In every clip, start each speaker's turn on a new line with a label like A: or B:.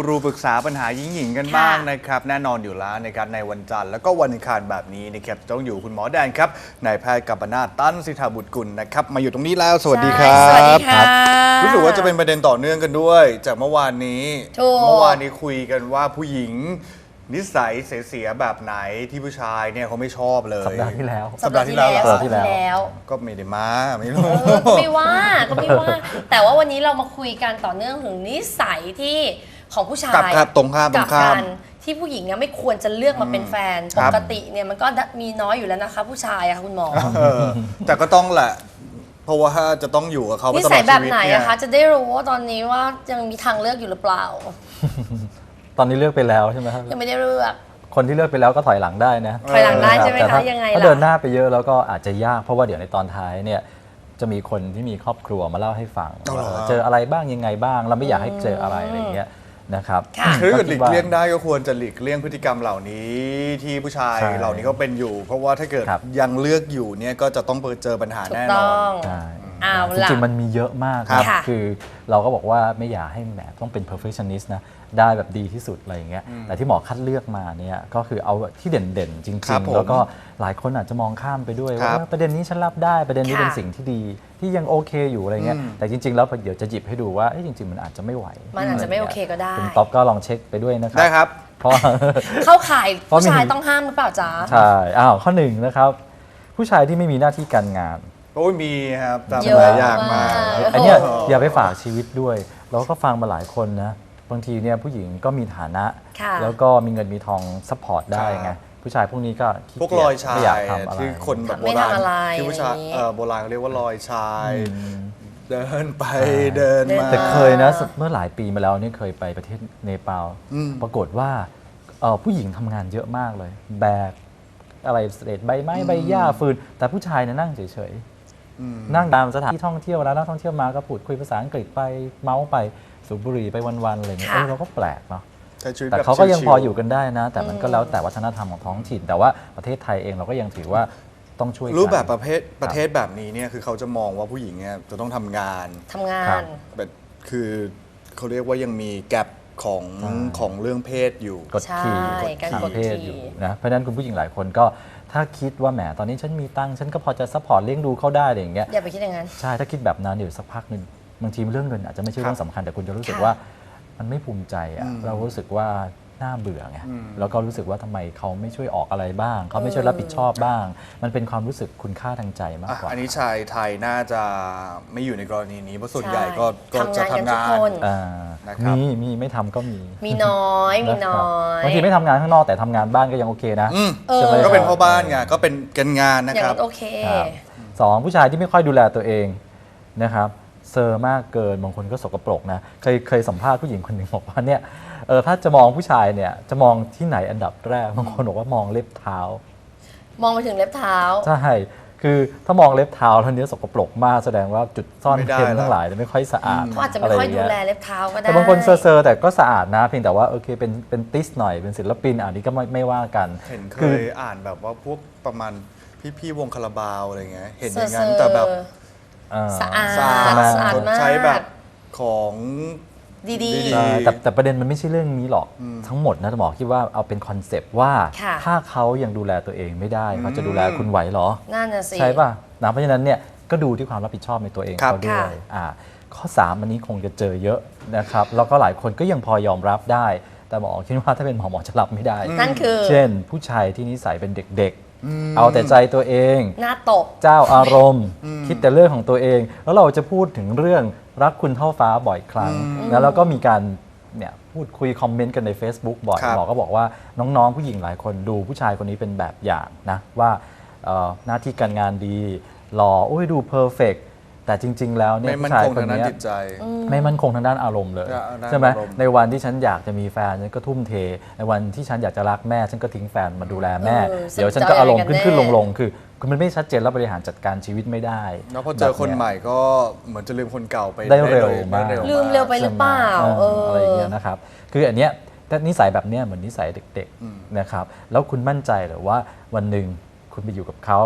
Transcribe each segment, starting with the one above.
A: รูปรึกษาปัญหาหญิงกันบ้างนะครับแน่นอนอยู่แล้วนะครับในวันจันทร์แล้วก็วันอังคารแบบนี้นะครับต้องอยู่คุณหมอแดนครับนายแพทย์กัปปนาถ ตั้นสิทธาบุตรกุลนะครับมาอยู่ตรงนี้แล้วสวัสดีครับ
B: สวัสดีค่ะ
A: รู้สึกว่าจะเป็นประเด็นต่อเนื่องกันด้วย จากเมื่อวานนี้คุยกันว่าผู้หญิงนิสัยเสียๆแบบไหนที่ผู้ชายเนี่ยเขาไม่ชอบเลย
C: สัปดาห์ที่แล้ว
A: สัปดาห์ที่แล้ว
B: ว
A: ก็ไม่ได้มาไม่รู้
B: ก็ไม่ว่าแต่ว่าวันนี้เรามาคุยกันต่อเนื่องถึงนิสัยที่ของผู้ชาย
A: กับตรงข้าม
B: กันที่ผู้หญิงเนี่ยไม่ควรจะเลือกมาเป็นแฟน
A: ค
B: ป
A: รับ
B: กติเนี่ยมันก็มีน้อยอยู่แล้วนะคะผู้ชายอะค่ะคุณหมอ
A: แต่ก็ต้องแหละเพราะว่าจะต้องอยู่กับเขาไป
B: นิ
A: ตล
B: สั
A: อย ด
B: แบ
A: ชี
B: บ
A: วิต
B: ไหน
A: เนี่ย
B: อะคะจะได้รู้ว่าตอนนี้ว่ายังมีทางเลือกอยู่หรือเปล่า
C: ตอนนี้เลือกไปแล้วใช่ไหมครับ
B: ยังไม่ได้เลือก
C: คนที่เลือกไปแล้วก็ถอยหลังได้นะ
B: ถอยหลังได้ใช่ไหม
C: แต่
B: คะยังไง
C: ถ้า
B: ล่ะ
C: เดินหน้าไปเยอะแล้วก็อาจจะยากเพราะว่าเดี๋ยวในตอนท้ายเนี่ยจะมีคนที่มีครอบครัวมาเล่าให้ฟังว่าเจออะไรบ้างยังไงบ้างเราไม่อยากให้เจออะไรอะไรอย่างเงี้ยนะครับ
B: ค่ะ
A: คือถ้าเกิดหลีกเลี่ยงได้ก็ควรจะหลีกเลี่ยงพฤติกรรมเหล่านี้ที่ผู้ชาย
C: ใช่
A: เหล่านี้ก็เป็นอยู่ เพราะว่าถ้าเกิด
C: ครับ
A: ยังเลือกอยู่เนี่ยก็จะต้องเจอปัญหา
B: ถูก
A: แน่น
B: ต้
A: อ
B: อน ง
C: ใช่
B: เอา
C: จ
B: ล่ะ
C: ริงๆมันมีเยอะมาก
A: ครับ
C: นะคือเราก็บอกว่าไม่อยากให้แหมต้องเป็น perfectionist นะได้แบบดีที่สุดอะไรอย่างเงี้ยแต่ที่หมอคัดเลือกมาเนี่ยก็คือเอาที่เด่นๆ จริ
A: ครับ
C: ง
A: ผม
C: ๆ แล้วก็หลายคนอาจจะมองข้ามไปด้วย
A: ครั
C: ว่า
A: บ
C: ประเด็นนี้ฉันรับได้ประเด็นนี้
B: ค่ะ
C: เป็นสิ่งที่ดีที่ยังโอเคอยู่อะไรเงี้ยแต่จริง ๆ แล้วเดี๋ยวจะหยิบให้ดูว่าเอ้ยจริง ๆ มันอาจจะไม่ไหว
B: มันอาจจะไม่โอเคก็ได้
C: คุณต๊อบก็ลองเช็คไปด้วยนะครั
A: ได้ครับ
C: เพราะ
B: เข้าข่าย
C: เพราะ
B: ผู้ชาย
C: มี
B: ต้องห้ามหรือเปล่าจ๊ะ
C: ใช่ข้อหนึ่งนะครับผู้ชายที่ไม่มีหน้าที่การงาน
A: โอ้ยมีครับตาม
B: เยอะ
A: หลายอย่างมาก
B: มาก
C: อันเนี้ย
B: โอ้โห
C: อย่าไปฝากชีวิตด้วยเราก็ฟังมาหลายคนนะบางทีเนี่ยผู้หญิงก็มีฐานะ
B: ค่ะ
C: แล้วก็มีเงินมีทองซัพพอร์ตได้ไงผู้ชายพวกนี้ก็ขี้
A: พวก
C: เกี
A: ร
C: ย
A: อย
C: จ
A: ชา
C: ไม่อยาก
A: ย
C: ทำอะไร
A: ที่คนแบบโบ
B: ไม่
A: ราณ
B: ทำอะไร
A: ที่ผู้ชาย
B: อย่างนี้
A: โบราณเขาเรียกว่ารอยชาย เดินไปเดินมา
C: แต่เคยนะเมื่อหลายปีมาแล้วเนี่ยเคยไปประเทศเนปาลปรากฏว่าผู้หญิงทำงานเยอะมากเลย แบกอะไรเศษใบไม้ใบหญ้าฟืน แต่ผู้ชายเนี่ยนั่งเฉยๆนั่งตามสถานที่ท่องเที่ยวแล้วนักท่องเที่ยวมาก็พูดคุยภาษาอังกฤษไปเมาส์ไปสูบบุหรี่ไปวันๆอะไรเงี้ย
B: ค่ะ
C: เราก็แปลกเนาะ
A: ใช้ชีวิต
C: แต่
A: แบบ
C: เขาก็ยัง
A: ชิวๆ
C: พออยู่กันได้นะ แต่มันก็แล้วแต่วัฒนธรรมของท้องถิ่น แต่ว่าประเทศไทยเองเราก็ยังถือว่าต้องช่วยกัน
A: รูปแบบประเทศแบบนี้เนี่ยคือเขาจะมองว่าผู้หญิงเนี่ยจะต้องทำงาน
B: ทำงา
C: ครั
B: น
C: บ
A: แบบคือเขาเรียกว่ายังมีแกลบของ
C: ใช่
A: ของเรื่องเพศอยู่
C: กดขี่
B: ใช่การกด
C: เพศ
B: ขี่
C: อยู่นะเพราะฉะนั้นคุณผู้หญิงหลายคนก็ถ้าคิดว่าแหมตอนนี้ฉันมีตังค์ฉันก็พอจะซัพพอร์ตเลี้ยงดูเขาได้อะไรอย่างเงี้ย
B: อย่าไปคิดอย่างนั้น
C: ใช่ถ้าคิดแบบนั้นเดี๋ยวสักพักหนึ่งบางทีเรื่องเงินอาจจะไม่ใช่เรื่องสำคัญแต่คุณจะรู้สึก
B: ค่ะ
C: ว่ามันไม่ภูมิใจอะเรารู้สึกว่าน่าเบื่อไงแล้วก็รู้สึกว่าทำไมเขาไม่ช่วยออกอะไรบ้าง เขาไม่ช่วยรับผิดชอบบ้าง มันเป็นความรู้สึกคุณค่าทางใจมากกว่า
A: อันนี้ชายไทยน่าจะไม่อยู่ในกรณีนี้เพราะส่วน
B: ใช่
A: ใหญ่ก็จะ
B: ทำงานกันทุก
A: ทำงาน
B: คน
C: อ่า
A: นะครับ
C: มีไม่ทำก็มี
B: มีน้อยมีน้อย
C: บางทีไม่ทำงานข้างนอกแต่ทำงานบ้านก็ยังโอเคนะ ใช่ไหม
A: ก็เป็นพ่อบ้านไงก็เป็นกันงานนะ
B: อย่าง
A: ครับ
B: นั้นโอเค
C: ครับสองผู้ชายที่ไม่ค่อยดูแลตัวเองนะครับเซอร์มากเกินบางคนก็สกปรกนะเคยสัมภาษณ์ผู้หญิงคนหนึ่งบอกว่าเนี่ยถ้าจะมองผู้ชายเนี่ยจะมองที่ไหนอันดับแรกบางคนบอกว่ามองเล็บเท้า
B: มองไปถึงเล็บเท้า
C: ใช่คือถ้ามองเล็บเท้าแล้วเนี้ยสกปรกมากแสดงว่าจุดซ่อน
A: ไม่ได้
C: เร้น
A: ละ
C: ทั้งหลายเนี่ยไม่ค่อยสะอาด
B: เขาอาจจะไม่ค่อยดูแลเล็บเท้าก็ได้
C: แต่บางคนเซอร์แต่ก็สะอาดนะเพียงแต่ว่าโอเคเป็นติสหน่อยเป็นศิลปินอันนี้ก็ไม่ว่ากัน
A: เห็นเค
C: คื
A: ยอ่านแบบว่าพวกประมาณพี่ๆวงคาราบาวอะไรเงี้ยเห็นอย่าง
B: เซ
A: นั้
B: อน ร์
A: แต่แบบ
B: สะอาด
A: สะอาด
B: สะอาดมาก
A: ใช้แบบของ
B: ดี
A: ดี
C: แต่ประเด็นมันไม่ใช่เรื่องนี้หรอกทั้งหมดนะหมอคิดว่าเอาเป็นคอนเซปต์ว่า
B: ค่ะ
C: ถ้าเขายังดูแลตัวเองไม่ได้เขาจะดูแลคุณไหวเหรอ
B: นั่นน่ะสิ
C: ใช่ป่ะนะเพราะฉะนั้นเนี่ยก็ดูที่ความรับผิดชอบในตัวเอง
A: ครับ
C: เขาด้วย
B: ค่ะ
C: ข้อ 3 อันนี้คงจะเจอเยอะนะครับแล้วก็หลายคนก็ยังพอยอมรับได้ แต่หมอคิดว่าถ้าเป็นหมอจะรับไม่ได้
B: นั่นคือ
C: เช่น ผู้ชายที่นิสัยเป็นเด็กๆ เอาแต่ใจตัวเอง
B: หน้าตบ
C: เจ้าอารมณ์ คิดแต่เรื่องของตัวเอง แล้วเราจะพูดถึงเรื่องรักคุณเท่าฟ้าบ่อยครั้งแล้วก็มีการเนี่ยพูดคุยคอมเมนต์กันใน Facebook บ่อย
A: ครับ
C: หมอก็บอกว่าน้องๆ ผู้หญิงหลายคนดูผู้ชายคนนี้เป็นแบบอย่างนะว่าหน้าที่การงานดีหล่อโอ้ยดูเพอร์เฟกแต่จริง ๆ แล้วเนี่ย
A: ไม่มั่
C: ผู้
A: น
C: ชาย
A: คง
C: คน
A: ทางด้าน
C: เนี้ย
A: จิตใจ
C: ไม่มั่นคงทางด้านอารมณ์เลย
A: ด้าน
C: ใช่ไหม
A: อารมณ์
C: ในวันที่ฉันอยากจะมีแฟนฉันก็ทุ่มเทในวันที่ฉันอยากจะรักแม่ฉันก็ทิ้งแฟนมาดูแลแม่ เดี๋ยวฉันก็อารมณ์ขึ้นลงคือมันไม่ชัดเจนแล้วบริหารจัดการชีวิตไม่ได้
A: แล้วพอเจอคนใหม่ก็เหมือนจะลืมคนเก่าไป
C: ได้เร็วมาก
B: ลืมเร็วไปหรือเปล่า
C: อะไรอย่างเงี้ยนะครับคืออันเนี้ยแต่นิสัยแบบเนี้ยเหมือนนิสัยเด็กๆนะครับแล้วคุณมั่นใจหรือว่าวันหนึ่งคุณไปอยู่กับเขา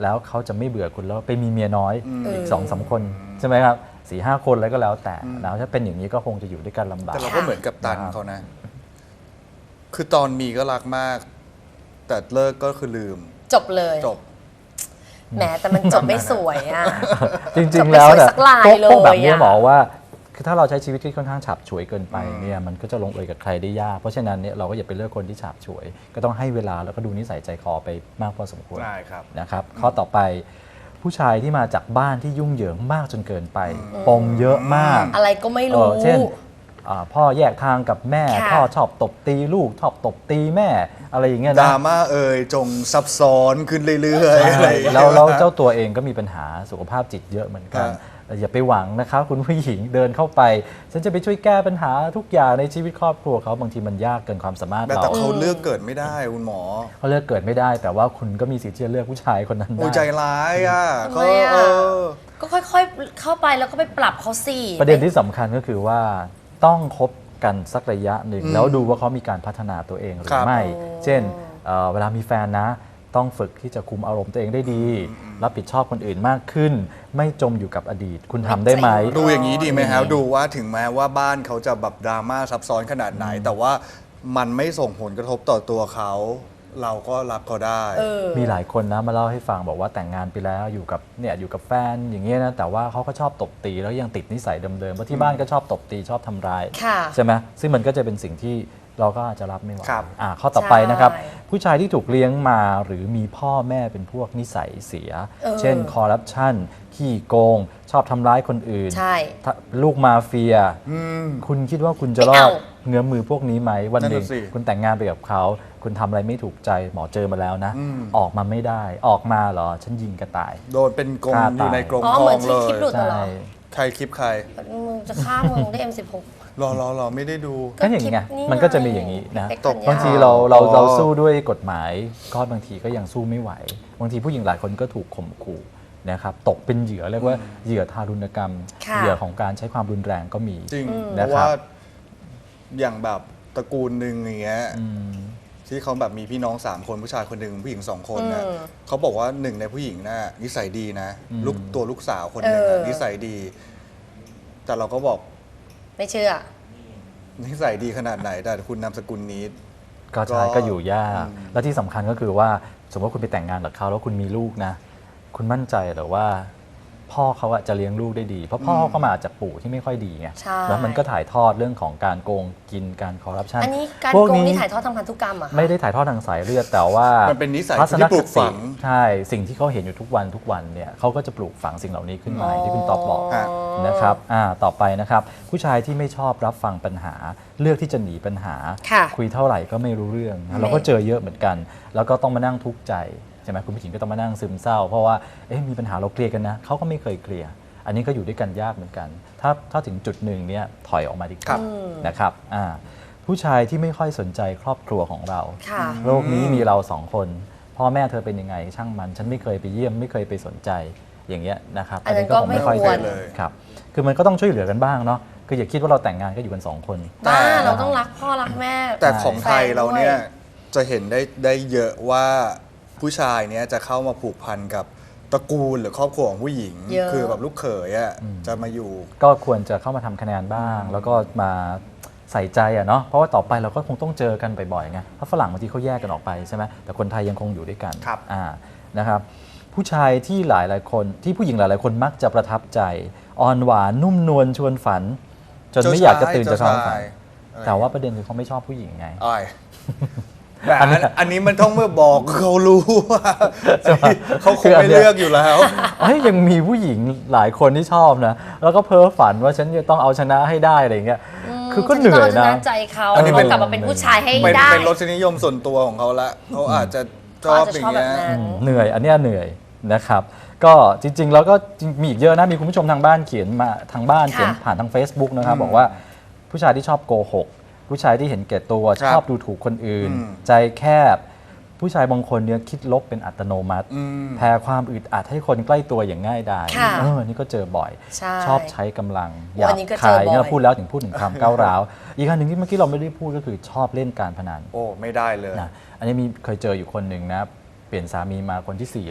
C: แล้วเขาจะไม่เบื่อคุณแล้วไปมีเมียน้อย
B: เออ
C: อีก2-3 คนใช่ไหมครับ4-5 คนอะไรก็แล้วแต่แล้วถ้าเป็นอย่างนี้ก็คงจะอยู่ด้วยกันลำบาก
A: แต่เราก็เหมือนกับตันเขานะ คือตอนมีก็รักมาก แต่เลิกก็คือลืม
B: จบเลย
A: จบ
B: แหมแต่มันจบไม่สวยอ่ะ
C: จริงๆแล้วเนี่ย
B: จบไม่สวยสักลาย
C: พวกแบบนี้
B: เลยอะ
C: หมอว่าคือถ้าเราใช้ชีวิตที่ค่อนข้างฉับฉวยเกินไปเนี่ยมันก็จะลงเอยกับใครได้ยากเพราะฉะนั้นเนี่ยเราก็อย่าไปเลือกคนที่ฉับฉวย ก็ต้องให้เวลาแล้วก็ดูนิสัยใจคอไปมากพอสมควร
A: ได้ครับ
C: นะครับข้อต่อไปผู้ชายที่มาจากบ้านที่ยุ่งเหยิงมากจนเกินไปปมเยอะมาก
B: อะไรก็ไม่รู้
C: เช่นพ่อแยกทางกับแม่
B: ค่ะ
C: พ่อชอบตบตีลูกชอบตบตีแม่อะไรอย่างเงี้ย
A: ด
C: นะ
A: ราม่าจงซับซ้อนขึ้นเรื่อยๆอะไรอย่างเงี้ย
C: แล้วเจ้าตัวเองก็มีปัญหาสุขภาพจิตเยอะเหมือนกัน
A: อ่า
C: อย่าไปหวังนะครับคุณผู้หญิงเดินเข้าไป ฉันจะไปช่วยแก้ปัญหาทุกอย่างในชีวิตครอบครัวเขาบางทีมันยากเกินความสามารถ
A: แต่
C: เรา
A: เขาเลือกเกิดไม่ได้คุณหมอ
C: เขาเลือกเกิดไม่ได้ แต่ว่าคุณก็มีสิทธิ์ที่จะเลือกผู้ชายคนนั้น
A: โอ้
C: ได้
A: ใจร้ายอ่ะ
B: ทำไมอะ
A: เออ
B: ก็ค่อยๆ เข้าไปแล้วก็ไปปรับเขาสิ
C: ประเด็นที่สำคัญก็คือว่าต้องคบกันสักระยะหนึ่งแล้วดูว่าเขามีการพัฒนาตัวเองหรื
A: ครั
C: อบ ไม่ เช่น
B: โอ้
C: เวลามีแฟนนะ ต้องฝึกที่จะคุมอารมณ์ตัวเองได้ดี รับผิดชอบคนอื่นมากขึ้น ไม่จมอยู่กับอดีต คุณทำได้ไหม
A: ดูอย่างนี้ดีไหมครับดูว่าถึงแม้ว่าบ้านเขาจะแบบดราม่าซับซ้อนขนาดไหน แต่ว่ามันไม่ส่งผลกระทบต่อตัวเขา เราก็รับเขาได้
B: เออ
C: มีหลายคนนะมาเล่าให้ฟังบอกว่าแต่งงานไปแล้วอยู่กับแฟนอย่างเงี้ยนะแต่ว่าเขาก็ชอบตบตีแล้วยังติดนิสัยเดิมๆเพราะที่บ้านก็ชอบตบตีชอบทำร้าย
B: ค่ะ
C: ใช่ไหมซึ่งมันก็จะเป็นสิ่งที่เราก็อาจจะรับไม่ไหว
A: ครับ
C: ข้อต่อไปนะครับ
B: ใช่
C: ผู้ชายที่ถูกเลี้ยงมาหรือมีพ่อแม่เป็นพวกนิสัยเสีย เช่นคอร์รัปชันขี้โกง ชอบทำร้ายคนอื่น
B: ใช่
C: ลูกมาเฟีย คุณคิดว่าคุณจะรอ
B: ไม่
C: ด
B: เอา
C: เงื้อมือพวกนี้ไหมวันหนึ่ง
A: นั่นน่ะสิ
C: คุณแต่งงานไปกับเขา คุณทำอะไรไม่ถูกใจหมอเจอมาแล้วนะ ออกมาไม่ได้ออกมาเหรอฉันยิงกระต่าย
A: โดนเป็นกรง
C: ฆ่า
A: อยู่ใน
C: ตาย
A: กรง
B: อ๋อ
A: ท
B: เหมื
A: อ
B: อน
A: งเล
B: ที่คลิปหลุ
A: ย
B: ดเหรอ
A: ใครคลิปใคร
B: มึงจะฆ่ามึงได้ M16
A: รอไม่ได้ดู
C: ก็อย่างนี้ไง
B: คลิปนี้
C: มันก็จะมีอย่างนี้นะ
B: ไง
C: บางที
A: อ๋
C: เรา
A: อ
C: สู้ด้วยกฎหมายก็บางทีก็ยังสู้ไม่ไหว บางทีผู้หญิงหลายคนก็ถูกข่มขู่นะครับตกเป็นเหยื่อเรียกว่าเหยื่อทารุณกรรม
B: ค่ะ
C: เหยื่อของการใช้ความรุนแรงก็มี
A: จริง เพ
C: นะ
A: ราะ
C: ครั
A: ว่า
C: บ
A: อย่างแบบตระกูลหนึ่งอย่างเงี้ย
C: อืม
A: ที่เขาแบบมีพี่น้อง3คนผู้ชายคนหนึ่งผู้หญิง2คนนะ
B: อืม
A: เขาบอกว่าหนึ่งในผู้หญิงน่ะนิสัยดีนะ
C: อืม
A: ลูกสาวคนหนึ่ง
B: เอ
A: น่ะ
B: อ
A: นิสัยดี แต่เราก็บอก
B: ไม่เชื่อ
A: นิสัยดีขนาดไหน แต่คุณนามสกุลนี้
C: ก็ใช่ก็อยู่ยาก แล้วที่สำคัญก็คือว่าสมมติว่าคุณไปแต่งงานกับเขาแล้วคุณมีลูกนะ คุณมั่นใจเหรือว่า พ่อเขาอะจะเลี้ยงลูกได้ดี เพราะพ่อเขามาจากปู่ที่ไม่ค่อยดีไง
B: ใช่
C: แล้วมันก็ถ่ายทอดเรื่องของการโกงกินการคอร์รัปชัน
B: อันนี้การ
C: พวก
B: โกง
C: นี้
B: นี่ถ่ายทอดทางพันธุกรรมเหรอะ
C: ไม่ได้ถ่ายทอดทางสายเลือดแต่ว่า
A: มันเป็นนิสัย
C: ทัศน
A: ที่ปลู
C: ค
A: กฝั
C: ติ
A: ง
C: ใช่สิ่งที่เขาเห็นอยู่ทุกวันเนี่ยเขาก็จะปลูกฝังสิ่งเหล่านี้ขึ้นมาอย่างที่คุณตอบบอก
A: ฮะ
C: นะครับต่อไปนะครับ ผู้ชายที่ไม่ชอบรับฟังปัญหา เลือกที่จะหนีปัญหา
B: ค่ะ
C: คุยเท่าไหร่ก็ไม่รู้เรื่องนะเราก็เจอเยอะเหมือนกัน แล้วก็ต้องมานั่งทุกข์ใจใช่ไหมคุณผู้หญิงก็ต้องมานั่งซึมเศร้า เพราะว่ามีปัญหาเราเคลียร์กันนะเขาก็ไม่เคยเคลียร์อันนี้ก็อยู่ด้วยกันยากเหมือนกัน ถ้าถึงจุดหนึ่งเนี่ยถอยออกมาดีก
A: ครั
C: ว่า
A: บ
C: นะครับผู้ชายที่ไม่ค่อยสนใจครอบครัวของเรา
B: ค่ะ
C: โลกนี้มีเราสองคน พ่อแม่เธอเป็นยังไงช่างมัน ฉันไม่เคยไปเยี่ยมไม่เคยไปสนใจอย่างเงี้ยนะครับ
B: อันนั้นก็ไม่
C: ค่อย
B: ควร
C: เจอครับคือมันก็ต้องช่วยเหลือกันบ้างเนาะคืออย่าคิดว่าเราแต่งงานก็อยู่กันสองคน
B: บ้าเราต้องรักพ่อรักแม่
A: แต่ของไทย
B: แฟนด้วย
A: เราเนี่ยจะเห็นได้เยอะว่าผู้ชายเนี่ยจะเข้ามาผูกพันกับตระกูลหรือครอบครัวของผู้หญิง
B: เยอะ
A: คือแบบลูกเขยอ่ะจะมาอยู่
C: ก็ควรจะเข้ามาทำคะแนนบ้าง แล้วก็มาใส่ใจอะเนาะเพราะว่าต่อไปเราก็คงต้องเจอกันบ่อยๆไงเพราะฝรั่งบางทีเขาแยกกันออกไปใช่ไหมแต่คนไทยยังคงอยู่ด้วยกัน
A: ครับ
C: นะครับผู้ชายที่หลายๆคนที่ผู้หญิงหลายๆคนมักจะประทับใจอ่อนหวานนุ่มนวลชวนฝัน จนไม่อยากจะตื่นจากความฝัน แต่ว่าประเด็นคือเขาไม่ชอบผู้หญิงไง
A: อ้อยแต่อันนี้มันต้องเมื่อบอกเขารู้ว่าเขาคงไม่เลือกอยู่แล้ว
C: ยังมีผู้หญิงหลายคนที่ชอบนะแล้วก็เพ้อฝันว่าฉันจะต้องเอาชนะให้ได้อะไรอย่างเงี้ยคือก็เหนื่อย
B: ฉั
C: นะ
B: ต้องาใจเขา
A: อันนี้เป็น
B: กลับมาเป็นผู้ชายให้
A: เป็น
B: ได้
A: เป็นรสนิยมส่วนตัวของเขาละเขาอาจจะช
B: เขา
A: อบ
B: อาจจะ
A: อย่า
B: ชอบ
A: ง
B: แบ
A: เงี้
B: บ
A: ย
B: นั้น
C: เหนื่อยอันเนี้ยเหนื่อยนะครับก็จริงๆแล้วก็มีอีกเยอะนะมีคุณผู้ชมทางบ้านเขียนมาทางบ้าน
B: ค่ะ
C: เขียนผ่านทาง Facebook นะครับบอกว่าผู้ชายที่ชอบโกหกผู้ชายที่เห็นแก่ตัว
A: ครับ
C: ชอบดูถูกคนอื่น ใจแคบ ผู้ชายบางคนเนี่ยคิดลบเป็นอัตโนมัติ แพ้ความอึดอัดให้คนใกล้ตัวอย่างง่ายดาย
B: ค่ะ
C: นี่ก็เจอบ่อย
B: ใช่
C: ชอบใช้กำลังหยา
B: อั
C: บ
B: นนี้ก็เจ
C: คา
B: อย บ่อย
C: เนี่ยพูดแล้วถึงพูดถึงความก้าวร้าว อีกอันหนึ่งที่เมื่อกี้เราไม่ได้พูดก็คือชอบเล่นการพนัน
A: โอ้ไม่ได้เลย
C: นะอันนี้เคยเจออยู่คนหนึ่งนะเปลี่ยนสามีมาคนที่4แล้ว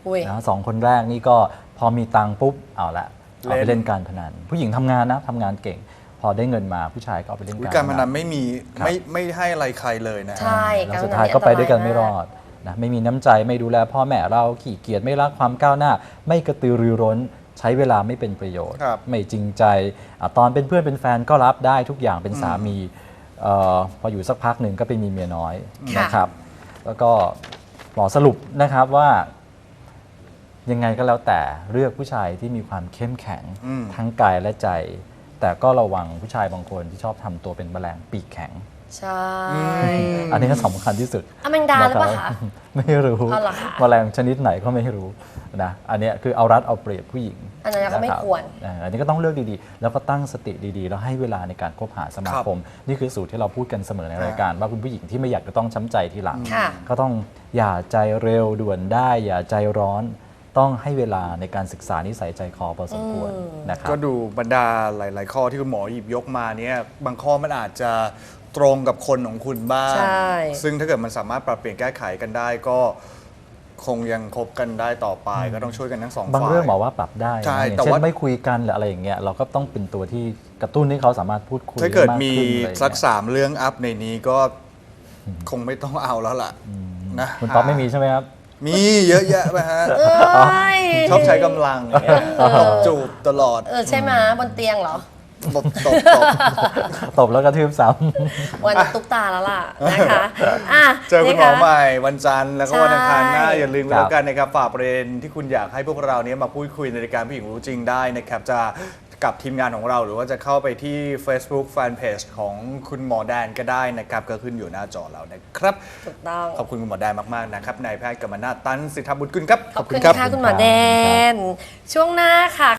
B: อุ้ย
C: นะสองคนแรกนี่ก็พอมีตังค์ปุ๊บเอาละเอาไป
A: เล่น
C: เล่นการพนันผู้หญิงทำงานนะทำงานเก่ง พอได้เงินมาผู้ชายก็เอาไปเล่น
A: การพนันไม่มี
C: ครับ
A: ไม่ให้อะไรใครเลยนะ
B: ใช่
C: แล้วสุดท้ายก็ไปด้วยกันไม่รอดนะไม่มีน้ำใจไม่ดูแลพ่อแม่เราขี้เกียจไม่รักความก้าวหน้า ไม่กระตือรือร้นใช้เวลาไม่เป็นประโยชน์
A: ครับ
C: ไม่จริงใจตอนเป็นเพื่อนเป็นแฟนก็รับได้ทุกอย่างเป็นสามีพออยู่สักพักหนึ่งก็ไปมีเมียน้อย
B: ค่ะ
C: นะครับ แล้วก็หมอสรุปนะครับว่ายังไงก็แล้วแต่เลือกผู้ชายที่มีความเข้มแข็ง
A: อืม
C: ทั้งกายและใจ แต่ก็ระวังผู้ชายบางคนที่ชอบทำตัวเป็นแมลงปีกแข็ง
B: ใช่
C: อันนี้ก็สำคัญที่สุด
B: อแมงดาหรือเปล่า
C: นะ
B: คะ
C: บไม่รู้
B: เอาเหรอคะ
C: แมลงชนิดไหนก็ไม่รู้นะอันเนี้ยคือเอารัดเอาเปรียบผู้หญิง
B: อันนั้นก็ไม่
C: ะบ
B: ควร
C: อันนี้ก็ต้องเลือกดีๆ แล้วก็ตั้งสติดีๆ แล้วให้เวลาในการคบหาสมาคม นี่คือสูตรที่เราพูดกันเสมอในรายการ ว่าคุณผู้หญิงที่ไม่อยากจะต้องช้ำใจทีหลัง
B: ค่ะ
C: ก็ต้องอย่าใจเร็วด่วนได้ อย่าใจร้อน ต้องให้เวลาในการศึกษานิสัยใจคอพอสมควรนะครับ
A: ก็ดูบรรดาหลาย ๆ ข้อที่คุณหมอหยิบยกมาเนี่ยบางข้อมันอาจจะตรงกับคนของคุณบ้าง
B: ใช่
A: ซึ่งถ้าเกิดมันสามารถปรับเปลี่ยนแก้ไขกันได้ก็คงยังคบกันได้ต่อไป ก็ต้องช่วยกันทั้งสองฝ่าย
C: บางเรื่องบอกว่าปรับได้
A: ใช่
C: นะอย่าง
A: แต่
C: เช่
A: ว่า
C: นไม่คุยกันหรืออะไรอย่างเงี้ยเราก็ต้องเป็นตัวที่กระตุ้นให้เขาสามารถพูดคุย
A: ถ้าเกิด
C: ได้
A: มี
C: มากขึ้นอะไรอย่าง
A: สัก
C: เงี้ย
A: สามเรื่องอัพในนี้ก็คงไม่ต้องเอาแล้วล่ะนะ
C: คุณป๊อปไม่มีใช่ไหมครับ
A: มีเยอะแยะไปฮะ
B: เอ้ย
A: ชอบใช้กำลังอย่างเงี้ยตบจูบตลอด
B: ใช่ไหมบนเตียงเหรอ
A: ตบ
C: ตบแล้วกระทืบซ้
B: วันตุ๊กตาแล้วล่ะนะคะอ่ะ
A: เจอคุณหมอ
B: นี่ะ
A: ใหม่วันจันทร์แล้วก็วันอังคารหน้า
B: ใช่
A: อย่าลืมกันแล้วกันนะครับฝากประเด็นที่คุณอยากให้พวกเราเนี้มาพูดคุยในรายการผู้หญิงรู้จริงได้นะครับจะกับทีมงานของเราหรือว่าจะเข้าไปที่ Facebook Fanpage ของคุณหมอแดนก็ได้นะครับก็ขึ้นอยู่หน้าจอแล้วนะครับ
B: ถูกต้อง
A: ขอบคุณคุณหมอแดนมากๆนะครับนายแพทย์กมลนาถ ตันสิทธบุตรกุลครับ
B: ขอบคุณค่ะคุณหมอแดน ช่วงหน้าค่ะ